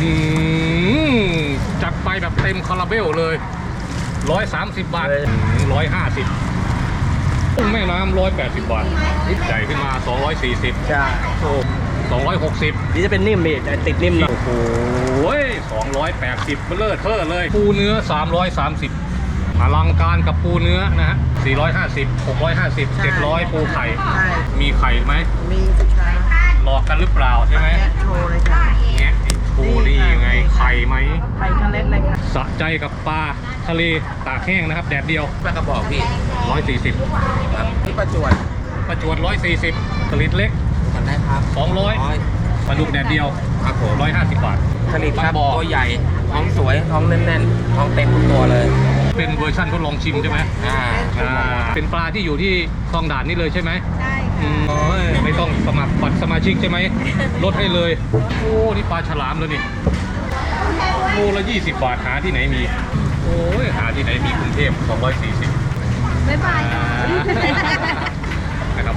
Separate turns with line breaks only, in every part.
จัดไปแบบเต็มคาราเบลเลย130 บาท150กุ้งแม่น้ำ180 บาทใหญ่ขึ้นมา240
ใช่
โอ้260
นี่จะเป็นนิ่มนี่แต่ติดนิ่มหน่อย
โอ้โห280เบลเลอร์เทอร์เลยปูเนื้อ330อลังการกับปูเนื้อนะฮะ450 650 700ปูไข่มีไข่ไหม
มีสิคะ
หลอกกันหรือเปล่าใช่ไหม
โชว์เลยค่ะ
แงะปูนี่ยังไงไข่ไหม
ไข่ทะเลเลยค่ะ
สะใจกับปลาทะเลตากแห้งนะครับแดดเดียว
ปลากระบอกพี่
140
ครับที่ประจวด
140สลิดเล็ก
กันได้ครับ
200ปลาดุกแดดเดียว
ครับผม
150 บาท
สลิดครับตัวใหญ่ท้องสวยท้องแน่นๆท้องเต็มทุกตัวเลย
เป็นเวอร์ชั่นทดลองชิมใช่ไหมเป็นปลาที่อยู่ที่คลองด่านนี่เลยใช่ไหม
ใช่ค่ะ
ไม่ต้องสมัครบัตรสมาชิกใช่ไหมลดให้เลยโอ้นี่ปลาฉลามเลยนี่โลละ20 บาทหาที่ไหนมีโอ้ยหาที่ไหนมีกรุงเทพ240
บ๊ายบาย
นะครับ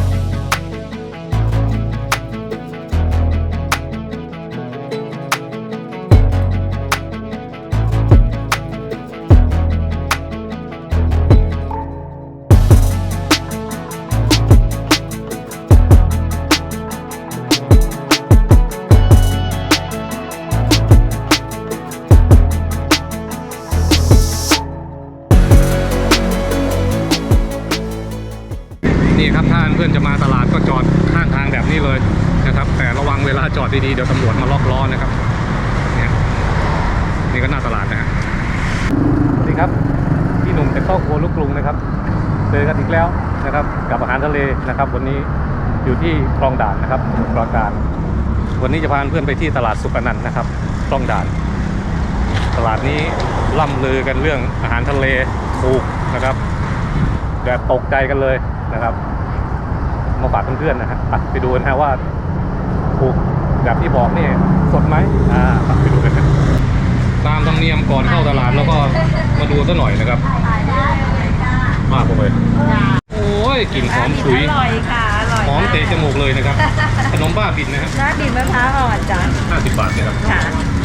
นี่ครับถ้าเพื่อนจะมาตลาดก็จอดข้างทางแบบนี้เลยนะครับแต่ระวังเวลาจอดดีๆเดี๋ยวตำรวจมาล็อกล้อนะครับเนี่ยนี่ก็หน้าตลาดนะฮะสวัสดีครับพี่หนุ่มจากครอบครัวลูกกรุงนะครับเจอกันอีกแล้วนะครับกับอาหารทะเลนะครับวันนี้อยู่ที่คลองด่านนะครับสมุทรปราการวันนี้จะพาเพื่อนไปที่ตลาดสุขอนันต์นะครับคลองด่านตลาดนี้ล่ำลือกันเรื่องอาหารทะเลถูกนะครับแบบตกใจกันเลยนะครับมาฝากเพื่อนๆนะฮะไปดูนะฮะว่าถูกแบบที่บอกนี่สดไหมไปดูกันนะตามธรรมเนียมก่อนเข้าตลาดแล้วก็มาดูซะหน่อยนะครับมากเลยโอ้ยกลิ่นหอมฉุย
อร่อยค่ะอร่อย
หอมเตะจมูกเลยนะครับขนมบ้าบินนะครับ
น้าบินมะพร้าวอ่อนจ้ะ
50 บาทนะครับ
ค่ะ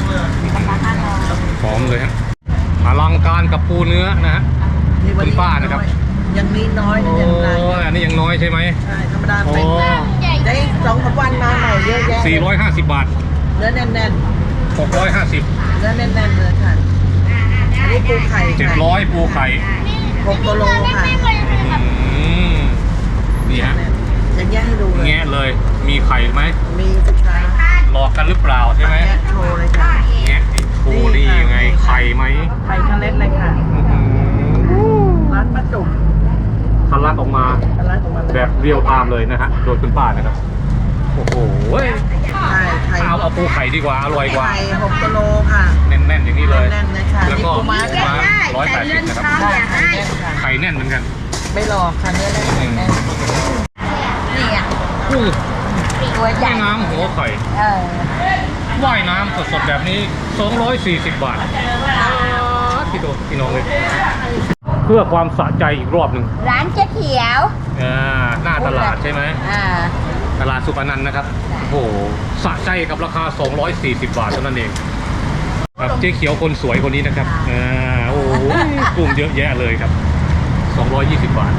หอมเลยฮะอลังการกับปูเนื้อนะฮะคุณป้านะครับ
ยังมีน้อยยังไง
อันนี้ยังน้อยใช่ไหม
ใช่ธรรมดาเป็นได้2-3 วันมาหน่อยเยอะแยะ
450 บาท
เนื้อแน่น
ๆ650
เนื้อแน่นๆเลยค่ะอันนี้ปูไข่
700ปูไข่
6 กิโลค่ะ
นี่ฮะ
ยังแยะให้ดูเลย
แงะเลยมีไข่ไหม
มีสิคะ
หลอกกันหรือเปล่าใช่ไหม
โชว์เลยค่ะ
แงะปูนี่ยังไงไข่ไหม
ไข่ทะเลเลยค่ะร้านป้าจุ๋ม
ทะลักออกมาแบบเรียวตามเลยนะฮะโดยคุณป้านะครับโอ้โหเอาปูไข่ดีกว่าอร่อยกว่า
ไข่6 กิโลค่ะ
แน่นๆอย่างนี้เลย
แน่นๆเลยค่ะ
แล้วก็ม้า180นะครับไข่แน่นเหมือนกัน
ไม่หลอกค่ะเนื้อแน่นนี่อ่ะตัวใหญ่
น้ำหัวไข่ว่ายน้ำสดๆแบบนี้240 บาทพี่น้องเลยเพื่อความสะใจอีกรอบหนึ่ง
ร้านเจ๊เขียว
หน้าตลาดใช่ไหมตลาดสุขอนันต์นะครับโอ้โหสะใจกับราคา240 บาทเท่านั้นเองครับเจ๊เขียวคนสวยคนนี้นะครับโอ้โหกลุ่มเยอะแยะเลยครับ220 บาท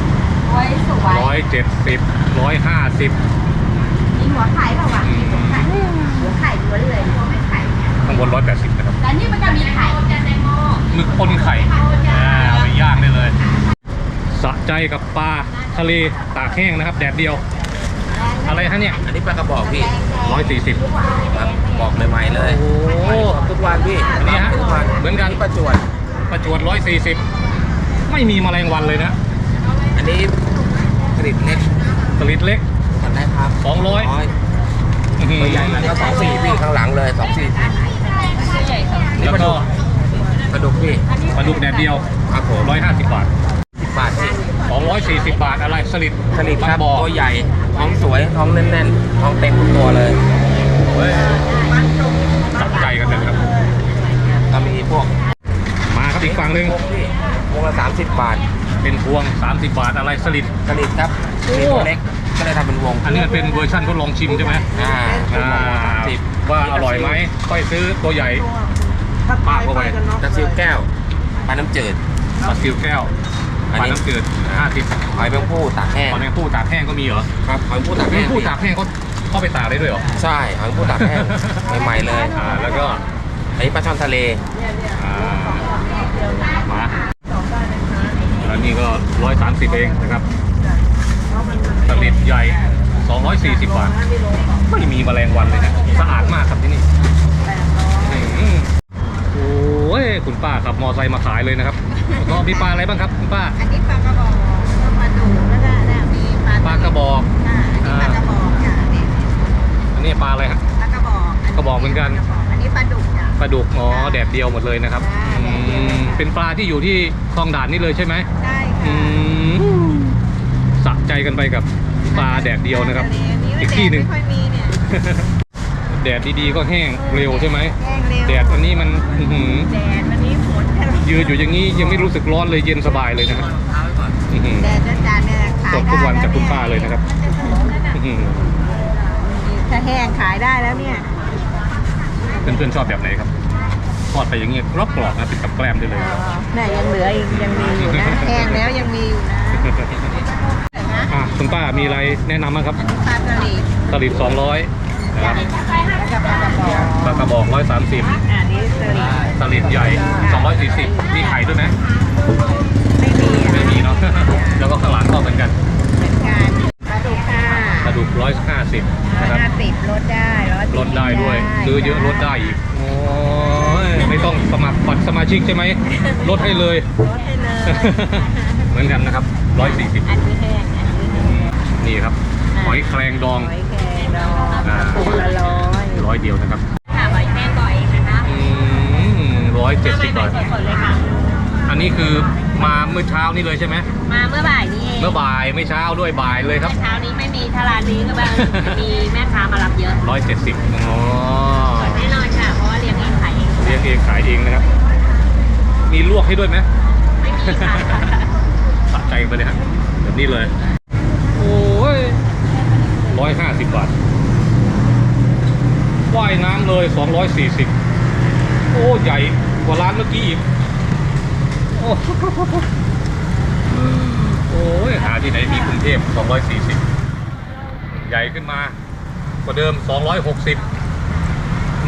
170 150
มีหัวไข่เปล่าวะหัวไข่ล้วนเลยหัวไม่ไข่
ข้างบน180นะครับ
แต่นี่มันจะมีไข่
หมึกปนไข่เอาไปย่างได้เลยสะใจกับปลาทะเลตากแห้งนะครับแดดเดียวอะไรฮะเนี่ย
อันนี้ปลากระบอกพี่
140
ครับบอกใหม่ๆเลย
โอ้
ทุกวันพี่
อันนี้ฮะเหมือนกัน
ประจวด
140ไม่มีแมลงวันเลยนะ
อันนี้สลิดเล็กกันได้ครับ
200
ตัวใหญ่แล้วก็24พี่ข้างหลังเลย24
แล้วก็
ปลาดุกพี่
ปลาดุกแดดเดียว
ครับผม
150 บาท
10 บาท
240 บาทอะไรสลิด
ครับตัวใหญ่ท้องสวยท้องแน่นๆท้องเต็มทุกตัวเลย
จับใจกันเลยครับ
ก็มีพวก
มาครับอีกฝั่งหนึ่ง
พวงละ30 บาท
เป็นพวง30 บาทอะไรสลิด
ครับมีตัวเล็กก็เลยทำเป็นวง
อันนี้มันเป็นเวอร์ชันทดลองชิมใช่ไหม
10
ว่าอร่อยไหมค่อยซื้อตัวใหญ่ปากเข้าไป
กระซิวแก้วปลาน้ำจืด
ปลาซิวแก้วปลาน้ำจืด50
หอยแมงผู้ตากแห้ง
หอยแมงผู้ตากแห้งก็มีเหรอ
ครับหอยแมงผู้ตาก
แม
แห้
ง
ง
ผู้ตากแห้งเขาเข้าไปตากได้ด้วยเหรอ
ใช่หอยแมงผู้ตากแห้งใหม่ๆเลย
แล้วก็
อันนี้ปลาช่อนทะเล
มาแล้วนี่ก็130เองนะครับสลิดใหญ่240 บาทไม่มีแมลงวันเลยนะสะอาดมากครับที่นี่โอ้ยคุณป้าขับมอไซค์มาขายเลยนะครับก็มีปลาอะไรบ้างครับคุณป้า
อันนี้ปลากระบอกปลาดุกแล้วก็มีปลา
ปลากระบอก
อันนี้ปลากระบอกค่ะนี่
อันนี้ปลาอะไรฮะ
ปลากระบอก
กระบอกเหมือนกัน
อันนี้ปลาดุกจ้ะ
ปลาดุกอ๋อแดดเดียวหมดเลยนะครับเป็นปลาที่อยู่ที่คลองด่านนี่เลยใช่ไหม
ได้
อื
ค่ะ
มสะใจกันไปกับปลาแดดเดียวนะครับ อีกที่หนึ่ง
ไม่ค่อยมีเนี่ย
แดดดีๆก็แห้งเร็วใช่ไหม
แห้งเร็ว
แดดวันนี้มันอื้อหือ
แดดวันนี้ฝน
ยืนอยู่อย่างนี้ยังไม่รู้สึกร้อนเลยเย็นสบายเลยนะครับอื้อหือ
แดดจัดๆเนี่ยขาย
สด
ได้
ทุกวันจากคุณ
แว
ป้าเลยนะครับอื้อหือ
ถ้าแห้งขายได้แล้วเนี่ย
เพื่อนๆชอบแบบไหนครับทอดไปอย่างเงี้ยกรอบๆนะติดกับแกล้มได้เลย
เนี่ยยังเหลืออีกยังมีอยู่นะแห้งแล้วยังมีอยู่นะ
คุณป้ามีอะไรแนะนำบ้างครับ
ปลาสลิด
สลิด200นะครับ
แล้วก็ปลากระบอก
ปลากระบอก130
อันนี้สลิด
สลิดใหญ่240มีไข่ด้วยไหม
ไม่มี
ไม่มีเนาะ แล้วก็ข้างหลังก็เหมือนกัน
เหมือนกันปลาดุกค่ะ
กระดูก150นะครับ
150ลดได้140
ลดได้ด้วยซื้อเยอะลดได้อีกโอ้ยไม่ต้องสมัครบัตรสมาชิกใช่ไหมลดให้เลย
ลดให้เลย
เหมือนกันนะครับ140
อันนี้แห้งอันนี้แห้ง
นี่ครับหอยแครงดอง
หอยแครงดองถุงละ100
100เดียวนะครับ
ค่ะหอยแครงก่อนเองนะคะ
170บาท
สดๆเลยค่ะ
อันนี้คือมาเมื่อเช้านี่เลยใช่ไหม
มาเมื่อบ่ายนี้เอง
เมื่อบ่ายไม่เช้าด้วยบ่ายเลยครับ
เช้านี้ไม่มีถ้าร้านนี้ก็แบบมีแม่ค้ามารับเยอะ
170อ๋อ
แน่นอนค่ะ เพราะว่าเลี้ยงเองขายเอง
เลี้ยงเองขายเองนะครับ มีลวกให้ด้วยไหม
ไม่มีค่ะ
สะใจไปเลยฮะแบบนี้เลย โอ้ย150 บาทว่ายน้ำเลย240โอ้ใหญ่กว่าร้านเมื่อกี้อีกโอ้โอ้ยหาที่ไหนมีกรุงเทพ240ใหญ่ขึ้นมากว่าเดิม260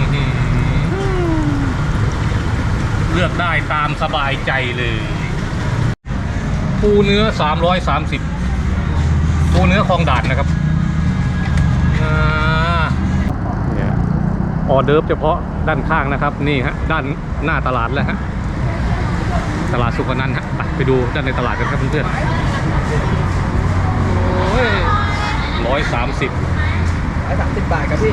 เลือกได้ตามสบายใจเลยปูเนื้อ330ปูเนื้อคลองด่านนะครับเนี่ยออเดิร์ฟเฉพาะด้านข้างนะครับนี่ฮะด้านหน้าตลาดแล้วฮะตลาดสุขนันท์ฮะไปดูด้านในตลาดกันครับเพื่อนๆโอ้ย130
บาทครับพี่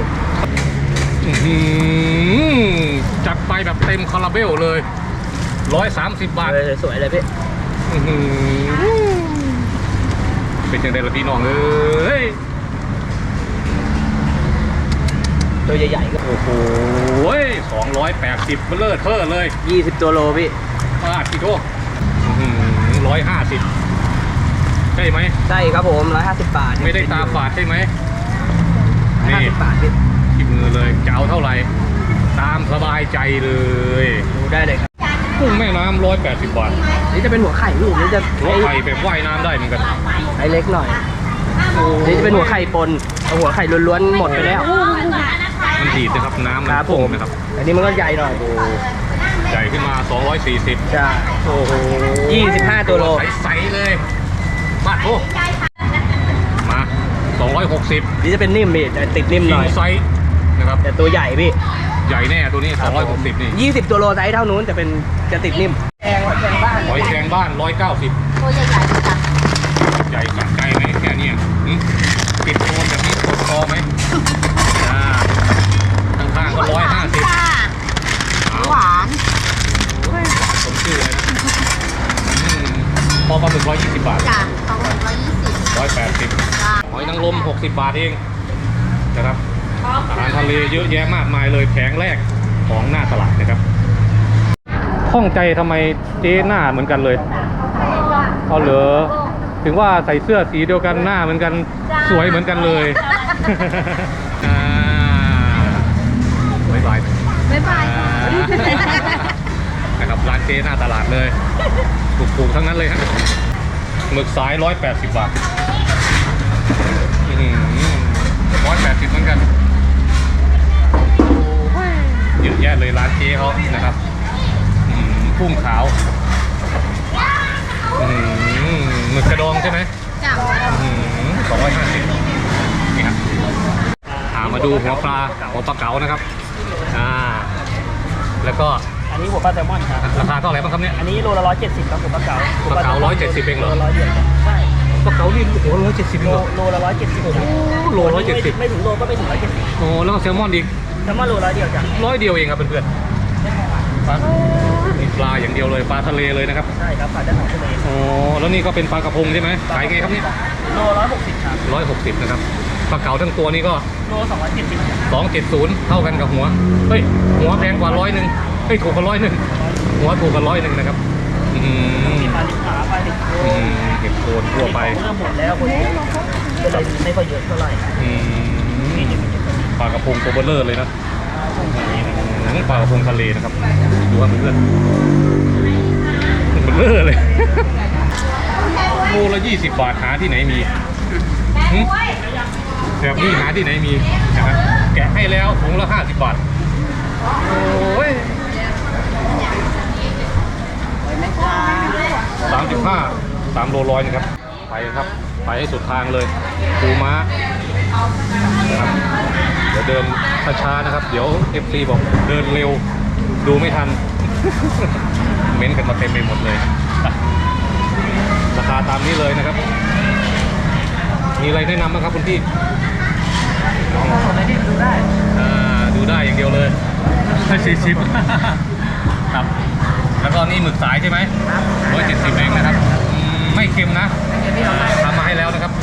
จัดไปแบบเต็มคาราเบลเลย130 บาท
สวยเลยพี่
เป็นจังไดล่ะพี่น้องเอ้ย
ตัวใหญ่ๆก็
โอ้โห280เบลเลอร์เทอร์เลย
20ตัวโลพี่
ป้าพี่โทษ150ใช่ไหม
ใช่ครับผม150 บาท
ไม่ได้ตาฝาดใช่ไหมนี่
50 บาทพี่
ที่มือเลยจะเอาเท่าไหร่ตามสบายใจเลย
ดูได้เลยครับ
กุ้งแม่น้ำ180 บาท
นี่จะเป็นหัวไข่ลูกนี่จะ
หัวไข่แบบว่ายน้ำได้เหมือนกัน
ไอเล็กหน่อยนี่จะเป็นหัวไข่ปนเอาหัวไข่ล้วนๆหมดไปแล้ว
มันดีดนะครับน้ำมัน
ครับผ
พุ่ง
ม
นะครับ
อันนี้มันก็ใหญ่หน่อย
ใหญ่ขึ้นมา240
ใช่โอ้โห25ตัวโล
ใสๆเลยมาโอ้มา260
นี่จะเป็นนิ่มพี่แต่ติดนิ่มหน่อย
ไซส์นะครับ
แต่ตัวใหญ่พี่
ใหญ่แน่ตัวนี้260นี่
20ตัวโลไซส์เท่านู้นจะติดนิ่มแพงบ้าน
หอยแครงบ้าน190
ตัวใหญ่ๆจ้ะ
ใหญ่สะใจไหมแค่เนี้ยติดโคนแบบนี้กดคอไหมข้างๆก็150
หวาน
ผมชื่อเลยนะพอปลาหมึก120 บาท
จ้ะ220
180หอยนางรม60 บาทเองนะครับอาหารทะเลเยอะแยะมากมายเลยแผงแรกของหน้าตลาดนะครับข้องใจทำไมเจ๊หน้าเหมือนกันเลยเอาเหรอถึงว่าใส่เสื้อสีเดียวกันหน้าเหมือนกันสวยเหมือนกันเลยอ่าบ๊ายบาย
บ๊ายบายค่ะ
นะครับร้านเจ๊หน้าตลาดเลยถูกๆทั้งนั้นเลยฮะหมึกสาย180 บาท180เหมือนกันเยอะแยะเลยร้านเจ๊เขานะครับกุ้งขาวหมึกกระดองใช่ไหม
จ้า
250นี่ครับมาดูหัวปลาเก๋านะครับแล้วก็
อันนี้หัวปลาแซลมอนครับ
ราคาเท่าไหร่บ้างครับเนี่ย
อันนี้โลละ170ครับหัวปลาเก๋า
ปลาเก๋า170เองเหรอ
โลละ100เดียวใช่
ปลาเก๋านี่โอ้170เหรอ
โลละ170ครับ
โล170
ไม่ถึงโลก็ไม่ถึง170
โอ้แล้วก็แซลมอนอีก
แซลมอนโลละเดียวจ้ะ
100 เดียวเองครับเพื่อนๆนี่ปลาอย่างเดียวเลยปลาทะเลเลยนะครับ
ใช่ครับปลาด้านของทะเล
โอ้แล้วนี่ก็เป็นปลากระพงใช่ไหมขายไงครับเนี่ย
โล160ครับ
160นะครับปลาเก๋าทั้งตัวนี้ก็
โล270ครับ
270เท่ากันกับหัวเฮ้ยหัวแพงกว่า100นึงเฮ้ยถูกกว่า100นึงหัวถูกกว่า100นึงนะครับ
มีปลาลิบขาปลาลิบโล
เก็บโคนทั่วไป
เริ่มหมดแล้วคนก็เลยไม่ค่อยเยอะเท่าไหร่
ปลากระพงตัวเบลเลอร์เลยนะปลากระพงทะเลนะครับดูว่าเพื่อนเบลเลอร์เลยโลละ20 บาทหาที่ไหนมีแบบนี้หาที่ไหนมีนะครับแกะให้แล้วถุงละ50 บาทโอ้ย35 3 โลร้อยนะครับไปครับไปให้สุดทางเลยปูม้านะครับเดี๋ยวเดินช้าๆนะครับเดี๋ยว FC บอกเดินเร็วดูไม่ทัน เม้นกันมาเต็มไปหมดเลยราคาตามนี้เลยนะครับมีอะไรแนะนำบ้างครับคุณพี่ดูได้อย่างเดียวเลย40ครับแล้วก็นี่หมึกสายใช่ไหม170เองนะครับไม่เค็มนะทำมาให้แล้วนะครับ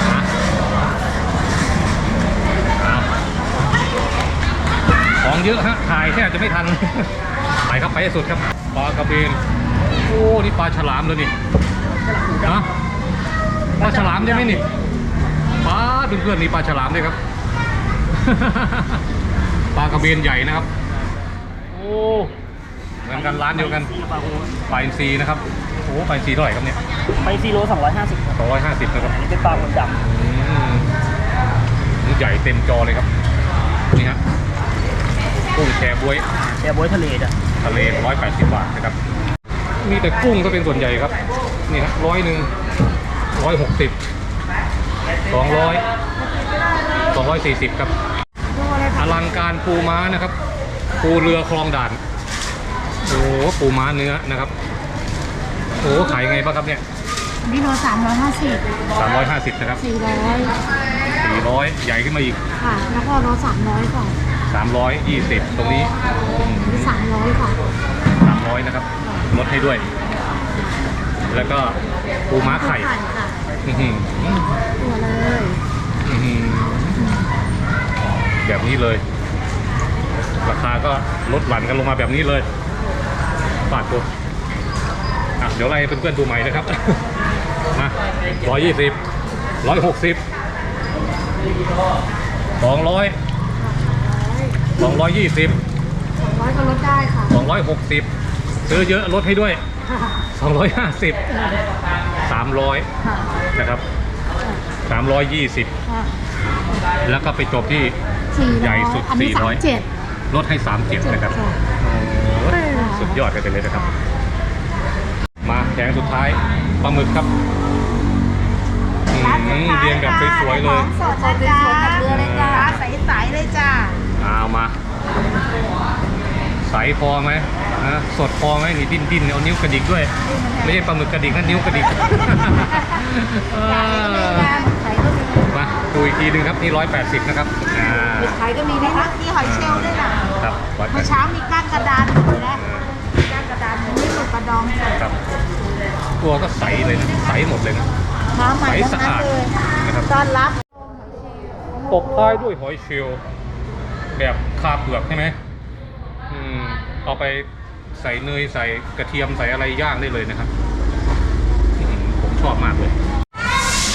ของเยอะฮะถ่ายแค่จะไม่ทันไปครับไปให้สุดครับปลากระเบนโอ้นี่ปลาฉลามเลยนี่นะปลาฉลามใช่ไหมนี่ปลาเพื่อนๆนี่ปลาฉลามด้วยครับ ปลากระเบนใหญ่นะครับโอ้เหมือนกันร้านเดียวกันปลาอินทรีนะครับโอ้ปลาอินทรีเท่าไหร่ครับเนี่ย
ไป4โล250ครับ
250นะครับ
อันนี้เป็นปลาหมึกด
นี่ใหญ่เต็มจอเลยครับนี่ฮะกุ้งแชบ๊วย
ำแชบ๊วยทะเลจ้ะ
ทะเล180 บาทนะครับมีแต่กุ้งก็เป็นส่วนใหญ่ครับนี่ฮะ100 160 200 240ครับอลังการปูม้านะครับปูเรือคลองด่านโอ้ปูม้าเนื้อนะครับโอ้ขายไงบ้างครับเนี่ย
นี่โล350
350นะครับ 400ใหญ่ขึ้นมาอีก
ค่ะ แล้วก็โล300ค่ะ
320ตรงนี้
นี่300ค่ะ
300นะครับลดให้ด้วย แล้วก็ปูม้าไข่
ค่ะ
อื้อหือ
ตัวเลย
อื้อหือแบบนี้เลย ราคาก็ลดหลั่นกันลงมาแบบนี้เลยบาทตัวเดี๋ยวไล่เพื่อนๆดูใหม่นะครับ มา120 160 200 220
200ก็ลดได้ค่ะ
260ซื้อเยอะลดให้ด้วย 250 300
ค่ะ
นะครับ320
ค่ะ
แล้วก็ไปจบที่
400
ใหญ่สุด
อันนี้
400 ลดให้37นะครับ
ค่ะ
โอ้ยสุดยอดกันไปเลยนะครับ มาแผงสุดท้ายปลาหมึกครับเรียงแบบสวยๆเลย
สดเลยจ้าเรือเลยจ้าใสๆเลยจ้า
เอามาใสพอไหมนะสดพอไหมนี่ดิ้นเอานิ้วกระดิกด้วย ไม่ใช่ปลาหมึกกระดิกนะนิ้วกระดิกมาดูอีกทีหนึงครับนี่180นะครับ
ไข่ก็มีนะคะมีหอยเชลล์ด้วยนะครับ เมื่อ
180
เช้ามีก้างกระดานอยู่นะก้างกระดานนี่หมึกกระดองสด
ครับตัวก็ใสเลยนะใสหมดเลยนะ
มาใหม่ทั้งนั้นเลย
นะครับ
ต้อนรับ
ตบท้ายด้วยหอยเชลล์แบบคาเปลือกใช่ไหมเอาไปใส่เนยใส่กระเทียมใส่อะไรย่างได้เลยนะครับผมชอบมากเลย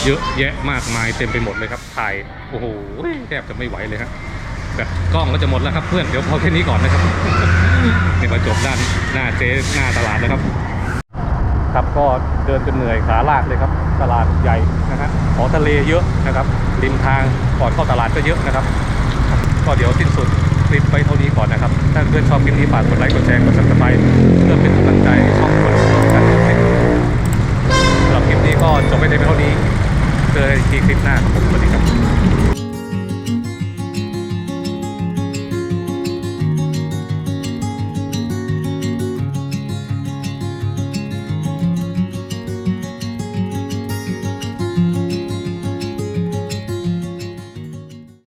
เยอะแยะมากมายเต็มไปหมดเลยครับถ่ายโอ้โหแทบจะไม่ไหวเลยครับแบบกล้องก็จะหมดแล้วครับเพื่อนเดี๋ยวพอแค่นี้ก่อนนะครับ นี่มาจบด้านหน้าเจ๊หน้าตลาดแล้วครับครับก็เดินจนเหนื่อยขาลากเลยครับตลาดใหญ่นะฮะของทะเลเยอะนะครับริมทางก่อนเข้าตลาดก็เยอะนะครับก็เดี๋ยวสิ้นสุดคลิปไปเท่านี้ก่อนนะครับถ้าเพื่อนชอบคลิปนี้ฝากกดไลค์กดแชร์กด Subscribe เพื่อเป็นกำลังใจให้ช่องคนกันสำหรับคลิปนี้ก็จบไปเท่านี้เจอกันอีกทีคลิปหน้าครับสวัสดีครับ